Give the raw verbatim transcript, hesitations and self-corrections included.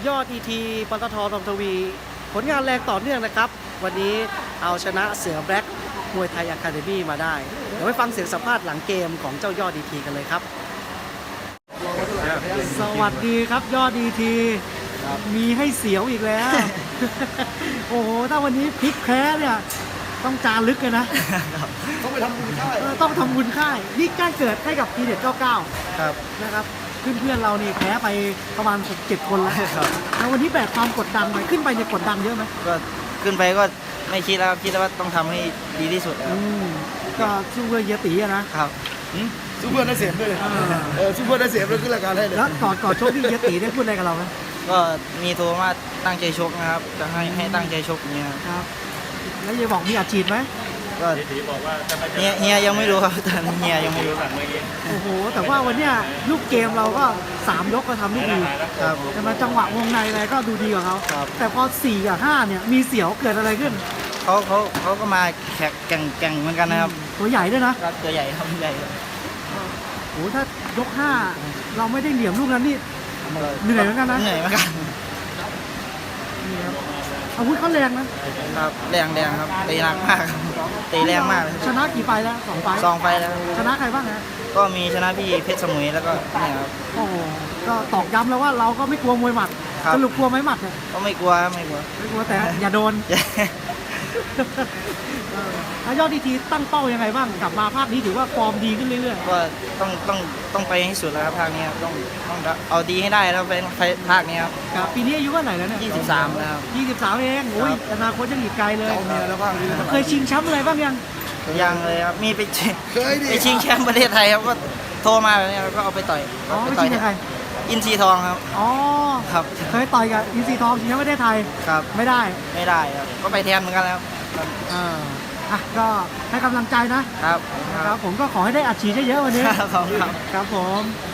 ยอด อี ที ปตท.ทองทวีผลงานแรงต่อเนื่องนะครับวันนี้เอาชนะเสือแบล็กมวยไทยอะคาเดมี่มาได้เดี๋ยวไปฟังเสียงสัมภาษณ์หลังเกมของเจ้ายอด อี ที กันเลยครับสวัสดีครับยอด อี ที มีให้เสียวอีกแล้ว โอ้โหถ้าวันนี้พลิกแพ้เนี่ยต้องจารึกเลยนะต้องไปทำบุญค่ายต้องทำบุญค่ายนี่ใกล้เกิดให้กับทีเด็ดเก้าเก้าครับนะครับเพื่อนๆเรานี่แพ้ไปประมาณหกเจ็ดคนแล้วแล้ววันนี้แบกความกดดันไปขึ้นไปเนี่ยกดดันเยอะไหมก็ขึ้นไปก็ไม่คิดแล้วคิดว่าต้องทำให้ดีที่สุดอืมก็สู้เพื่อเยตีนะครับสู้เพื่อนได้เสียบด้วยเลยเออสู้เพื่อนได้เสียบเลยขึ้นรายการให้เลยแล้วก่อนก่อนชกที่เยตีได้พูดอะไรกับเราไหมก็มีโทรมาตั้งใจชกนะครับจะให้ให้ตั้งใจชกอย่างเงี้ยครับแล้วยายบอกมีอาชีพไหมก็เฮียเฮียยังไม่รู้ครับตอนนี้เฮียยังไม่รู้โอ้โหแต่ว่าวันเนี้ยลูกเกมเราก็สามยกก็ทำได้ดีครับแต่มาจังหวะวงในอะไรก็ดูดีกว่าเขาแต่พอสี่กับห้าเนี่ยมีเสียวเกิดอะไรขึ้นเขาเขาเขาก็มาแข่งแข่งแข่งเหมือนกันนะครับตัวใหญ่ด้วยนะตัวใหญ่ครับใหญ่โอ้ถ้ายกห้าเราไม่ได้เหลี่ยมลูกนั้นนี่เหนื่อยเหมือนกันนะเหนื่อยเหมือนกันนี่ครับอาวุธเขาแรงนะครับแรงแรงครับตีหนักมากตีแรงมากชนะกี่ไฟแล้วสองไฟสองไฟแล้วชนะใครบ้างฮะก็มีชนะพี่เพชรสมุยแล้วก็เนี่ยครับโอ้ก็ตอกย้ำแล้วว่าเราก็ไม่กลัวมวยหมัดสรุปกลัวไหมหมัดเนี่ยก็ไม่กลัวไม่กลัวไม่กลัวแต่อย่าโดนแล้วยอด อี ที ตั้งเป้ายังไงบ้างกลับมาภาคนี้ถือว่าฟอร์มดีขึ้นเรื่อยๆก็ต้องต้องต้องไปให้สุดแล้วครับภาคนี้ต้องต้องเอาดีให้ได้แล้วไปภาคนี้ครับครับปีนี้อายุเท่าไหร่แล้วเนี่ยยี่สิบสามแล้วยี่สิบสามเองโอ้ยอนาคตยังอีกไกลเลยเอาเมียแล้วบ้างเคยชิงแชมป์อะไรบ้างยังยังเลยครับมีไปไปชิงแชมป์ประเทศไทยครับก็โทรมาแบบนี้แล้วก็เอาไปต่อยอ๋อไปชิงกับใครอินทรีทองครับอ๋อครับเคยต่อยกับอินทรีทองชิงแชมป์ประเทศไทยครับไม่ได้ไม่ได้ครับก็ไปแทนเหมือนกันแล้วอ่าอ่ะก็ให้กำลังใจนะครับครับผมก็ขอให้ได้อัดฉีดเยอะๆวันนี้ครับครับผม